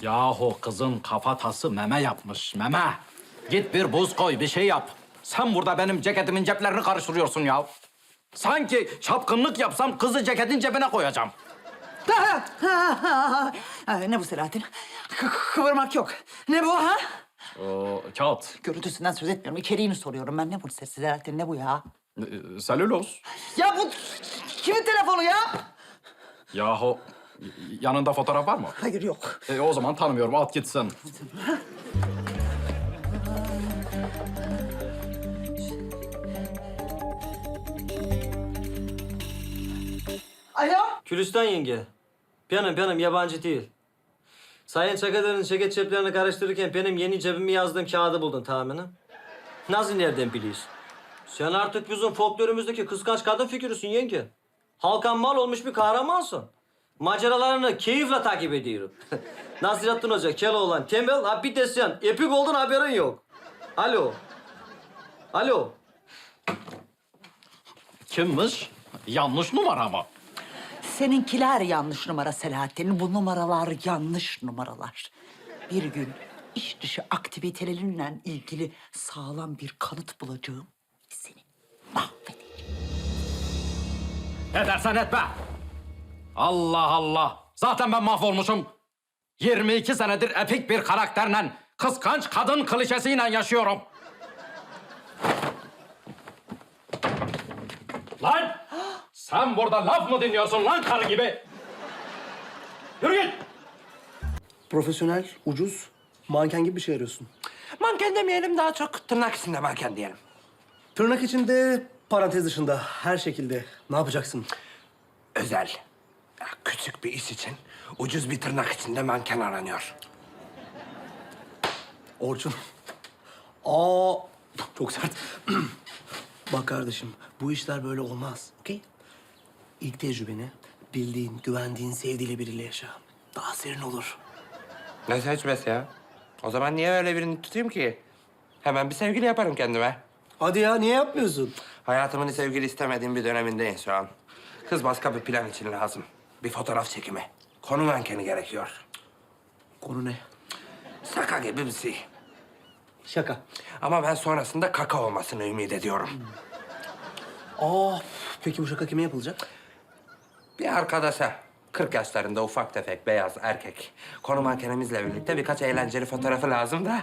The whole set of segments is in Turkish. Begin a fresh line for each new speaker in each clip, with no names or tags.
Yahu kızın kafatası meme yapmış, meme. Git bir buz koy, bir şey yap. Sen burada benim ceketimin ceplerini karıştırıyorsun ya. Sanki çapkınlık yapsam kızı ceketin cebine koyacağım.
Ne bu Selahattin? Kıvırmak yok. Ne bu ha?
Kağıt,
Görüntüsünden söz etmiyorum. İçeriğini soruyorum ben. Ne bu Selahattin? Ne bu ya?
selüloz.
Ya bu kimin telefonu ya?
Yahu yanında fotoğraf var mı?
Hayır yok.
O zaman tanımıyorum, at gitsin.
Alo?
Gülistan yenge. Benim yabancı değil. Sayın Çakadar'ın ceket ceplerini karıştırırken benim yeni cebimi yazdığım kağıdı buldun tahminim. Nasıl nereden biliyorsun? Sen artık bizim folklorumuzdaki kıskanç kadın figürüsün yenge. Halkan mal olmuş bir kahramansın. Maceralarını keyifle takip ediyorum. Nasrettin Hoca, Keloğlan, Tembel, ha bir de sen. Epik oldun haberin yok. Alo. Alo.
Kimmiş? Yanlış numara mı?
Seninkiler yanlış numara Selahattin. Bu numaralar yanlış numaralar. Bir gün iş dışı aktivitelerinle ilgili sağlam bir kanıt bulacağım. Seni mahvedeceğim.
Ne dersen etme. Allah Allah. Zaten ben mahvolmuşum. 22 senedir epik bir karakterle, kıskanç kadın klişesiyle yaşıyorum. Lan! Sen burada laf mı dinliyorsun lan karı gibi? Yürü git!
Profesyonel, ucuz, manken gibi bir şey arıyorsun.
Manken demeyelim, daha çok tırnak içinde manken diyelim.
Tırnak içinde, parantez dışında, her şekilde. Ne yapacaksın?
Özel, küçük bir iş için ucuz bir tırnak içinde manken aranıyor.
Orçun. Aa, çok sert. Bak kardeşim, bu işler böyle olmaz, okey? İlk tecrübeni bildiğin, güvendiğin, sevdiğiyle biriyle yaşa. Daha serin olur.
Ne seçmesi ya? O zaman niye öyle birini tutayım ki? Hemen bir sevgili yaparım kendime.
Hadi ya, niye yapmıyorsun?
Hayatımın sevgili istemediğim bir dönemindeyim şu an. Kız başka bir plan için lazım. Bir fotoğraf çekimi. Konu mankeni gerekiyor.
Konu ne?
Şaka gibi bir şey.
Şaka.
Ama ben sonrasında kaka olmasını ümit ediyorum.
Aa, peki bu şaka kime yapılacak?
Bir arkadaşa, 40 yaşlarında ufak tefek beyaz erkek. Konu mankenimizle birlikte birkaç eğlenceli fotoğrafı lazım da.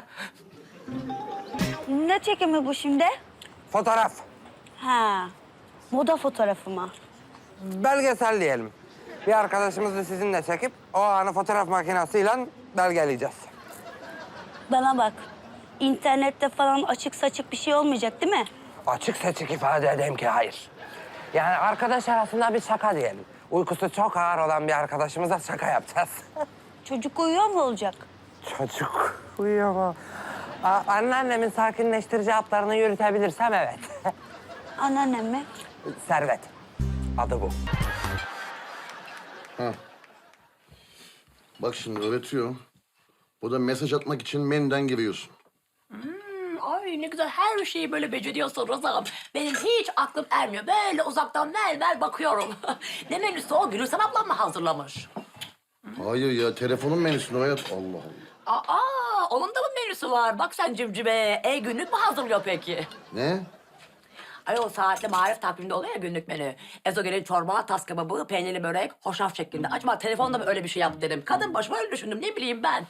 Ne çekimi bu şimdi?
Fotoğraf,
Ha, moda fotoğrafı mı?
belgesel diyelim. Bir arkadaşımızı sizinle çekip o anı fotoğraf makinesiyle belgeleyeceğiz.
Bana bak, internette falan açık saçık bir şey olmayacak değil mi?
Açık seçik ifade edeyim ki hayır. Yani arkadaş arasında bir şaka diyelim. Uykusu çok ağır olan bir arkadaşımıza şaka yapacağız.
Çocuk uyuyor mu olacak?
Çocuk uyuyor mu? Anneannemin sakinleştirici haplarını yürütebilirsem evet.
Anneannem mi?
Servet. Adı bu.
Bak şimdi öğretiyor. Burada mesaj atmak için menüden giriyorsun.
Ay ne güzel her şeyi böyle beceriyorsun Rıza'm. Benim hiç aklım ermiyor. Böyle uzaktan ver bakıyorum. Ne menüsü o? Gülürsen ablam mı hazırlamış?
Hayır ya, telefonun menüsünü hayat. Allah Allah.
Onun da mı menüsü var? Bak sen cimcime. Günlük mü hazırlıyor peki?
Ne?
Ay o saatli marif takviminde oluyor ya günlük menü. Ezogelin çorba, tas kebabı, peynirli börek, hoşaf şeklinde. Acaba telefonda mı öyle bir şey yap dedim. Kadın başıma öyle düşündüm. Ne bileyim ben.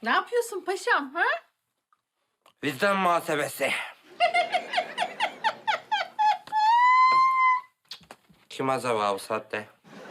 Ne yapıyorsun paşam ha?
Vicdan muhasebesi. Kim acaba bu saatte?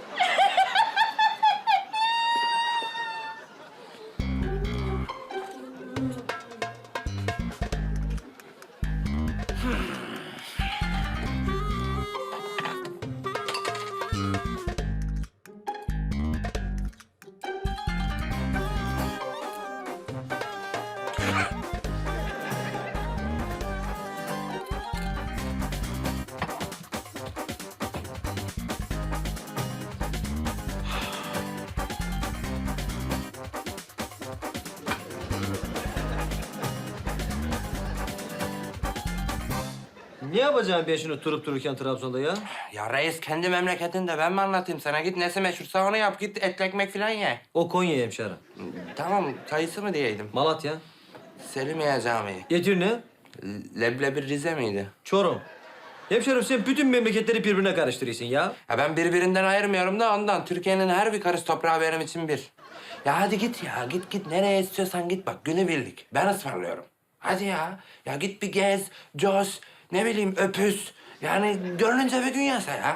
Ne yapacaksın ben şunu durup dururken Trabzon'da ya?
Ya reis kendi memleketinde ben mi anlatayım sana? Git nesi meşhursa onu yap. Git etli ekmek falan ye.
O Konya hemşerim.
Tamam kayısı mı diyeydim?
Malatya.
Selimiye Camii.
Edirne.
Leblebi Rize miydi?
Çorum. Hemşerim sen bütün memleketleri birbirine karıştırıyorsun ya.
Ya ben birbirinden ayırmıyorum da ondan. Türkiye'nin her bir karış toprağı benim için bir. Ya hadi git ya. Git nereye istiyorsan git bak. Günübirlik. Ben ısmarlıyorum. Hadi ya. Ya git bir gez, coş, ne bileyim öpüs. Yani gönlünce bir dünyası ya.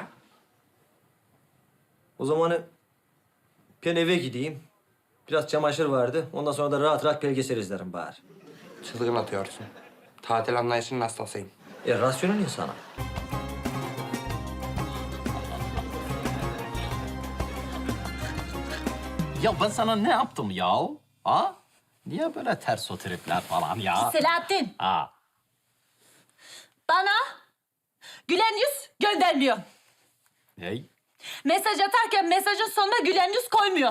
O zaman ben eve gideyim. Biraz çamaşır vardı. Ondan sonra da rahat rahat belgesel izlerim bari.
Çılgın atıyorsun. Tatil anlayışının hastasıyım.
Rasyonel insana.
Ya ben sana ne yaptım ya? Ha? Niye böyle ters o tripler falan ya?
Selahattin,
Ha.
bana gülen yüz göndermiyor.
Ney?
Mesaj atarken mesajın sonuna gülen yüz koymuyor.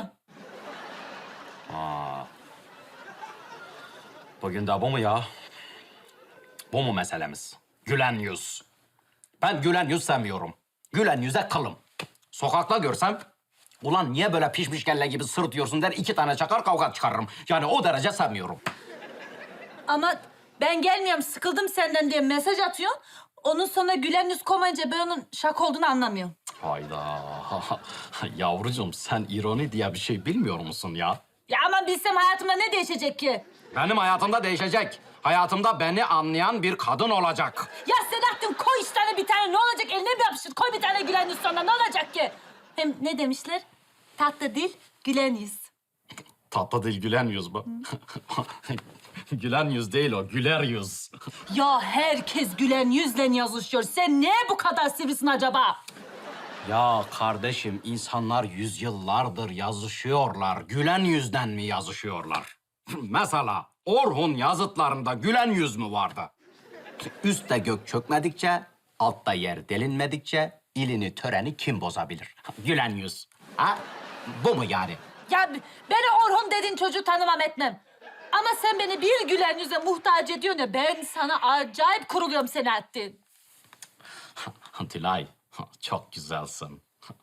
Bugün de bu mu ya? Bu mu meselemiz? Gülen yüz. Ben gülen yüz sevmiyorum. Gülen yüze kılım. Sokakta görsem, ulan niye böyle pişmiş kelle gibi sırıtıyorsun der, 2 tane çakar kavga çıkarırım. Yani o derece sevmiyorum.
Ama ben gelmiyorum, sıkıldım senden diye mesaj atıyor. Onun sonuna gülen yüz koymayınca ben onun şaka olduğunu anlamıyorum.
Hayda. Yavrucuğum sen ironi diye bir şey bilmiyor musun ya?
Ya ama bilsem hayatımda ne değişecek ki?
Benim hayatımda değişecek. Hayatımda beni anlayan bir kadın olacak.
Ya Selahattin koy işte bir tane, ne olacak, eline bir yapıştır. Koy bir tane gülen yüz sonra, ne olacak ki? Hem ne demişler? Tatlı dil, gülen yüz.
Tatlı değil, gülen yüz bu. Gülen yüz değil o, güler yüz.
Ya herkes gülen yüzle yazışıyor. Sen niye bu kadar sivrisin acaba?
Ya kardeşim, insanlar yüzyıllardır yazışıyorlar. Gülen yüzden mi yazışıyorlar? Mesela Orhun yazıtlarında gülen yüz mü vardı? Üstte gök çökmedikçe, altta yer delinmedikçe ilini töreni kim bozabilir? Gülen yüz. Ha? Bu mu yani?
Ya beni Orhun dediğin çocuğu tanımam etmem. Ama sen beni bir gülen yüze muhtaç ediyorsun ya, ben sana acayip kuruluyorum Selahattin.
Dilay, çok güzelsin.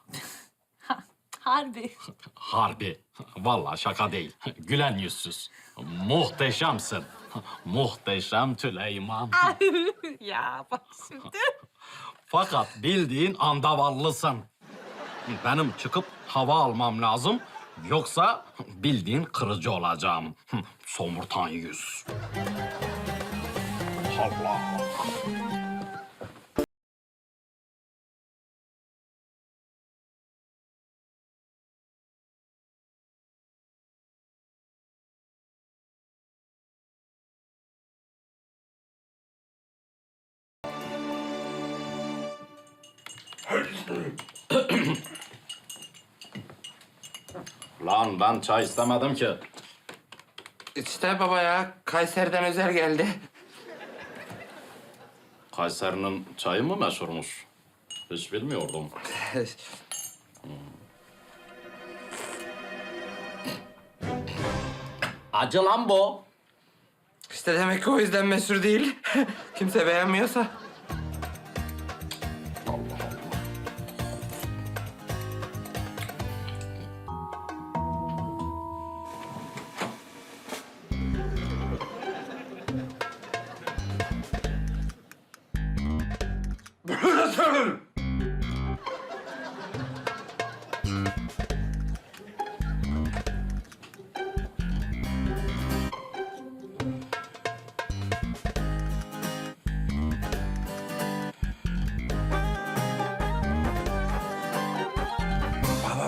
Harbi.
Harbi. Vallahi şaka değil. Gülen yüzsüz. Muhteşemsin. Muhteşem Tüleyman.
Ya bak şimdi.
Fakat bildiğin andavallısın. Benim çıkıp hava almam lazım. Yoksa bildiğin kırıcı olacağım. Somurtan yüz. Allah. Lan ben çay istemedim ki.
İşte baba ya Kayseri'den özel geldi.
Kayseri'nin çayı mı meşhurmuş? Hiç bilmiyordum. Acı lan bu.
İşte demek ki o yüzden meşhur değil. Kimse beğenmiyorsa.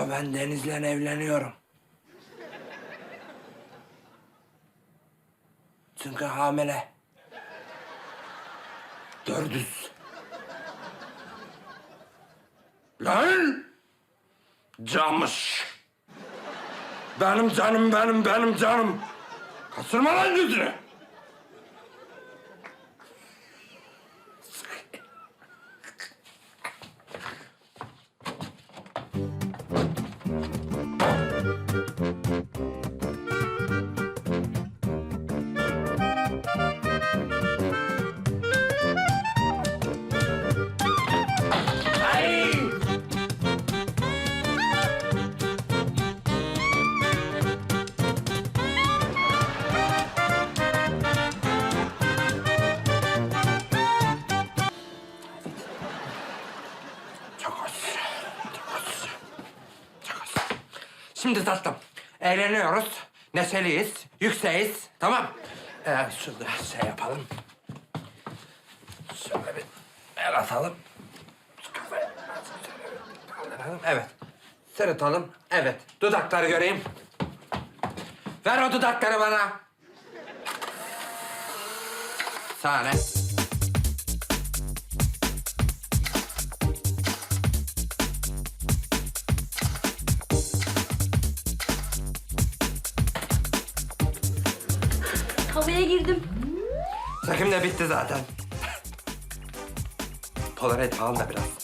Ama ben Deniz'le evleniyorum. Çünkü hamile. Dördüz. Lan! Camış. Benim canım, benim canım. Kaçırma lan yüzünü. Çok hoş. Çok hoş. Çok hoş. Şimdi tatlım, eğleniyoruz, neşeliyiz, yükseğiz, tamam? Şurada şey yapalım. Şöyle bir el atalım. Şu kafayı şöyle bir kaldıralım. Evet. Sırıtalım. Evet. Dudakları göreyim. Ver o dudakları bana. Sahne.
Havaya girdim.
Çekim de bitti zaten. Polaroid falan da biraz.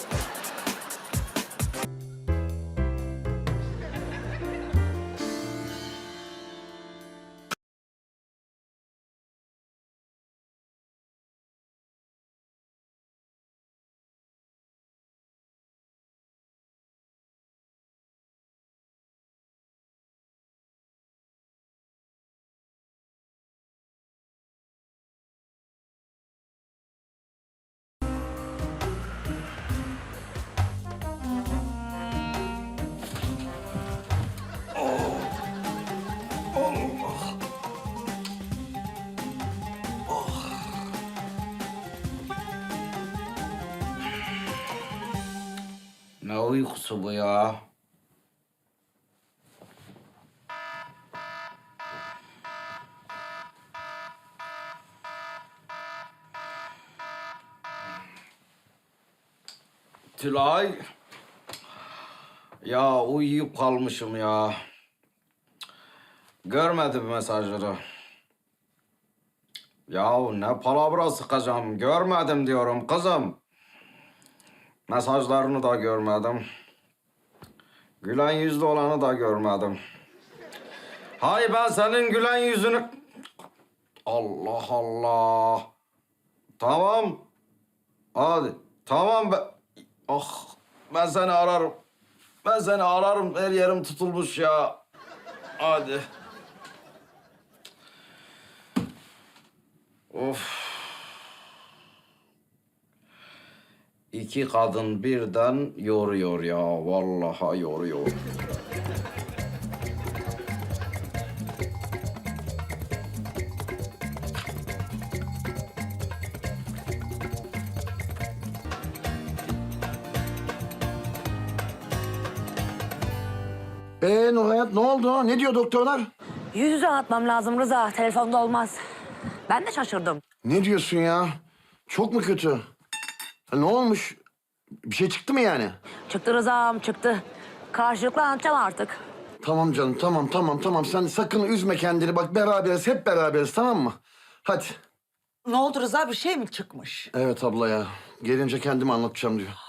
Ne uykusu bu ya? Tülay. Ya uyuyup kalmışım ya. Görmedim mesajları. Ya ne palavra sıkacağım. Görmedim diyorum kızım. Mesajlarını da görmedim. Gülen yüzlü olanı da görmedim. Hay ben senin gülen yüzünü... Allah Allah. Tamam. Hadi. Tamam ben... Ah ben seni ararım. Ben seni ararım. Her yerim tutulmuş ya. Hadi. Of. İki kadın birden yoruyor ya. Vallahi yoruyor.
Nurhayat ne oldu? Ne diyor doktorlar?
Yüz yüze anlatmam lazım Rıza. Telefonda olmaz. Ben de şaşırdım.
Ne diyorsun ya? Çok mu kötü? Ha, ne olmuş? Bir şey çıktı mı yani?
Çıktı Rıza'm çıktı. Karşılıklı anlatacağım artık.
Tamam canım, tamam. Sen sakın üzme kendini. Bak beraberiz, hep beraberiz, tamam mı? Hadi.
Ne oldu Rıza, bir şey mi çıkmış?
Evet abla ya. Gelince kendimi anlatacağım diyor.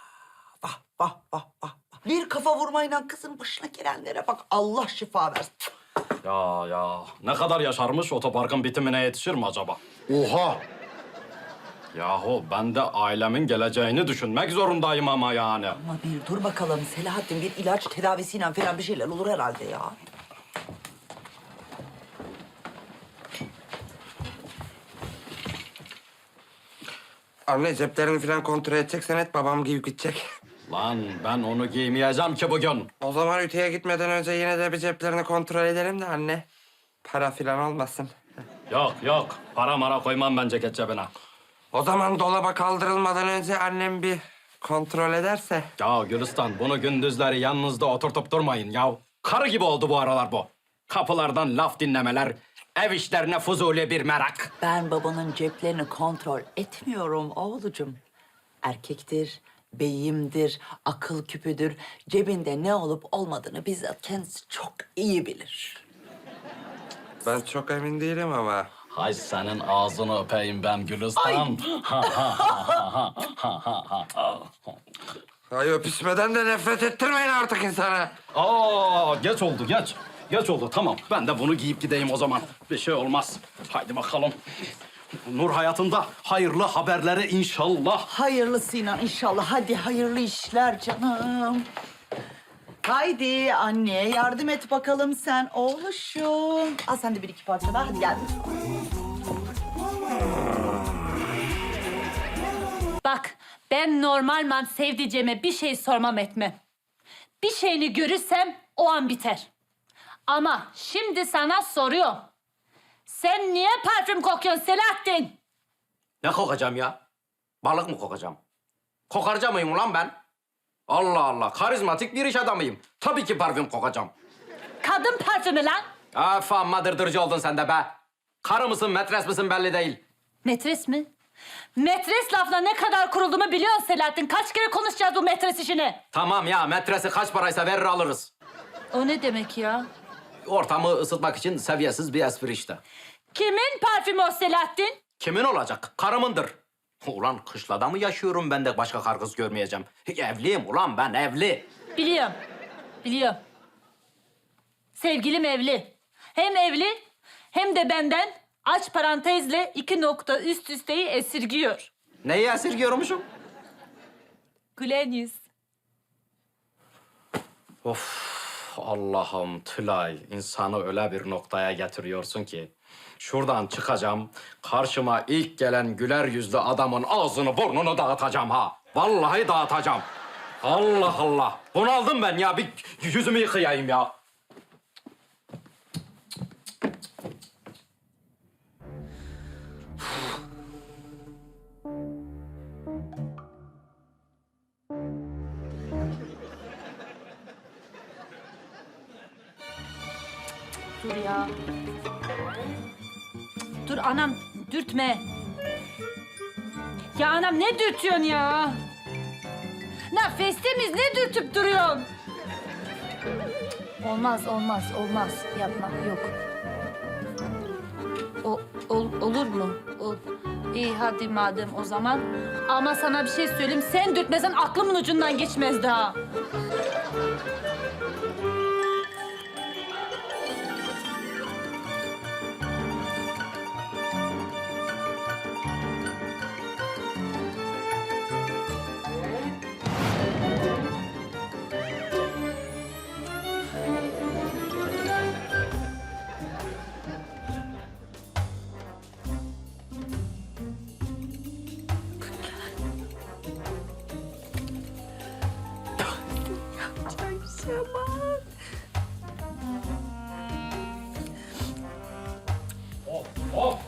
Vah. Bir kafa vurmayla kızın başına gelenlere bak. Allah şifa versin.
Ya ne kadar yaşarmış, otoparkın bitimine yetişir mi acaba?
Oha!
Yahu ben de ailemin geleceğini düşünmek zorundayım ama yani.
Ama bir dur bakalım Selahattin, bir ilaç tedavisiyle falan bir şeyler olur herhalde ya.
Anne ceplerini falan kontrol edeceksen et babam giyip gidecek.
Lan ben onu giymeyeceğim ki bugün.
O zaman ütüye gitmeden önce yine de bir ceplerini kontrol edelim de anne. Para falan olmasın.
Yok. Para mara koymam ben ceket cebine.
O zaman dolaba kaldırılmadan önce annem bir kontrol ederse.
Ya Gülistan, bunu gündüzleri yanınızda oturtup durmayın ya. Karı gibi oldu bu aralar bu. Kapılardan laf dinlemeler, ev işlerine fuzuli bir merak.
Ben babanın ceplerini kontrol etmiyorum oğlucum. Erkektir, beyimdir, akıl küpüdür. Cebinde ne olup olmadığını bizzat kendisi çok iyi bilir.
Ben çok emin değilim ama.
Hay senin ağzını öpeyim ben Gülistan.
Ay öpüşmeden de nefret ettirmeyin artık insana.
Aa, geç oldu, geç. Geç oldu, tamam. Ben de bunu giyip gideyim o zaman. Bir şey olmaz. Haydi bakalım. Nur hayatında hayırlı haberleri inşallah.
Hayırlısıyla inşallah. Hadi hayırlı işler canım. Haydi anne yardım et bakalım sen oğluşum. Al sen de bir iki parça daha hadi gel.
Bak ben normalman sevdiceğime bir şey sormam etmem. Bir şeyini görürsem o an biter. Ama şimdi sana soruyorum. Sen niye parfüm kokuyorsun Selahattin?
Ne kokacağım ya? Balık mı kokacağım? Kokarca mıyım ulan ben? Allah Allah, karizmatik bir iş adamıyım. Tabii ki parfüm kokacağım.
Kadın parfümü lan.
Amma dırdırcı oldun sen de be. Karı mısın, metres misin belli değil.
Metres mi? Metres lafla ne kadar kurulduğumu biliyorsun Selahattin. Kaç kere konuşacağız bu metres işini?
Tamam ya, metresi kaç paraysa verir alırız.
O ne demek ya?
Ortamı ısıtmak için seviyesiz bir espri işte.
Kimin parfümü o Selahattin?
Kimin olacak? Karımındır. Ulan kışlada mı yaşıyorum ben de başka kar kız görmeyeceğim? Evliyim ulan ben, evli.
Biliyorum. Biliyorum. Sevgilim evli. Hem evli hem de benden aç parantezle 2 nokta üst üsteyi esirgiyor.
Neyi esirgiyormuşum?
Gülen yüz.
Of Allah'ım Tülay, insanı öyle bir noktaya getiriyorsun ki. Şuradan çıkacağım, karşıma ilk gelen güler yüzlü adamın ağzını burnunu dağıtacağım ha. Vallahi dağıtacağım. Allah Allah. Bunaldım ben ya, bir yüzümü yıkayayım ya.
Dur ya. Dur anam, dürtme. Ya anam ne dürtüyorsun ya? Nefestemiz ne dürtüp duruyorsun? Olmaz, olmaz, olmaz. Yapma, yok. Olur mu? İyi hadi madem o zaman. Ama sana bir şey söyleyeyim. Sen dürtmesen aklımın ucundan geçmez daha.
Of!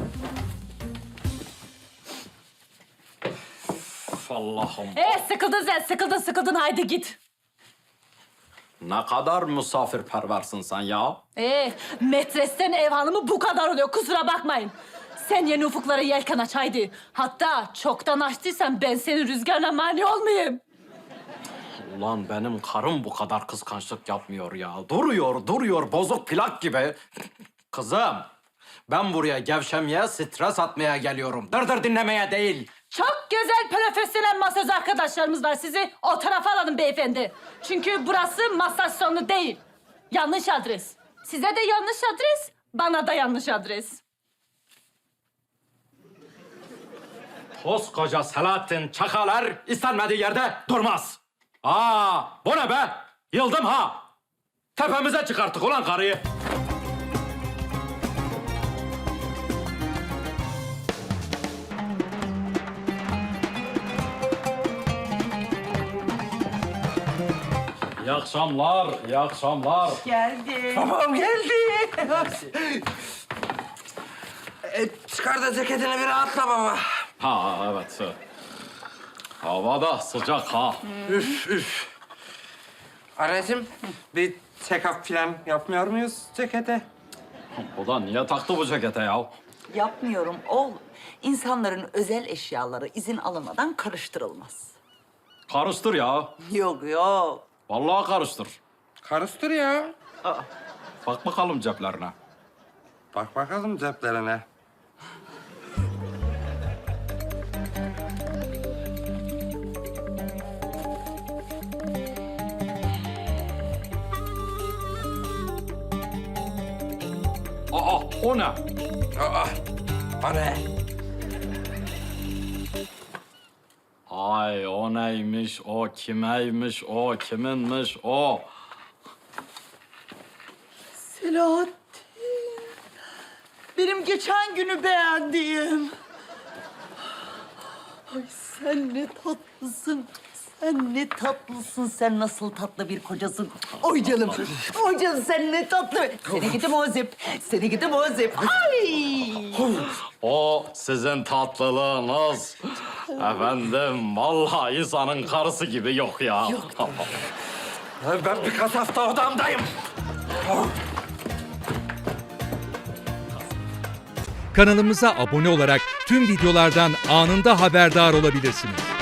Of Allah'ım.
Sıkıldın sen, sıkıldın. Haydi git.
Ne kadar misafirperversin sen ya.
Metresten ev hanımı bu kadar oluyor. Kusura bakmayın. Sen yeni ufuklara yelken aç haydi. Hatta çoktan açtıysan ben senin rüzgarına mani olmayayım.
Ulan benim karım bu kadar kıskançlık yapmıyor ya. Duruyor bozuk plak gibi. Kızım, ben buraya gevşemeye, stres atmaya geliyorum. Dırdır dinlemeye değil.
Çok güzel profesyonel masaj arkadaşlarımız var. Sizi o tarafa alalım beyefendi. Çünkü burası masaj salonu değil. Yanlış adres. Size de yanlış adres, bana da yanlış adres.
Koskoca Selahattin Çakalar istenmediği yerde durmaz. Bu ne be? Yıldım ha. Tepemize çıkarttık ulan karıyı. İyi akşamlar, iyi akşamlar.
Geldi.
Babam geldi. Çıkar da ceketini bir rahatla baba.
Evet. Hava da sıcak ha.
Anneciğim bir check-up falan yapmıyor muyuz cekete?
O da niye taktı bu cekete ya?
Yapmıyorum oğlum. İnsanların özel eşyaları izin alınmadan karıştırılmaz.
Karıştır ya.
Yok yok.
Vallahi karıştır.
Karıştır ya.
Bak bakalım ceplerine.
Bak bakalım ceplerine.
Aa, o ne?
Aa, o ne?
Ay o neymiş, o kimeymiş, o kiminmiş, o.
Selahattin. Benim geçen günü beğendiğim. Ay sen ne tatlısın. Sen ne tatlısın. Sen nasıl tatlı bir kocasın. Oy canım. Oy canım sen ne tatlı. Seni gidi Muzip. Seni gidi Muzip. Ay.
O sizin tatlılığınız. Efendim, vallahi insanın karısı gibi yok ya.
Ben birkaç hafta odamdayım.
Kanalımıza abone olarak tüm videolardan anında haberdar olabilirsiniz.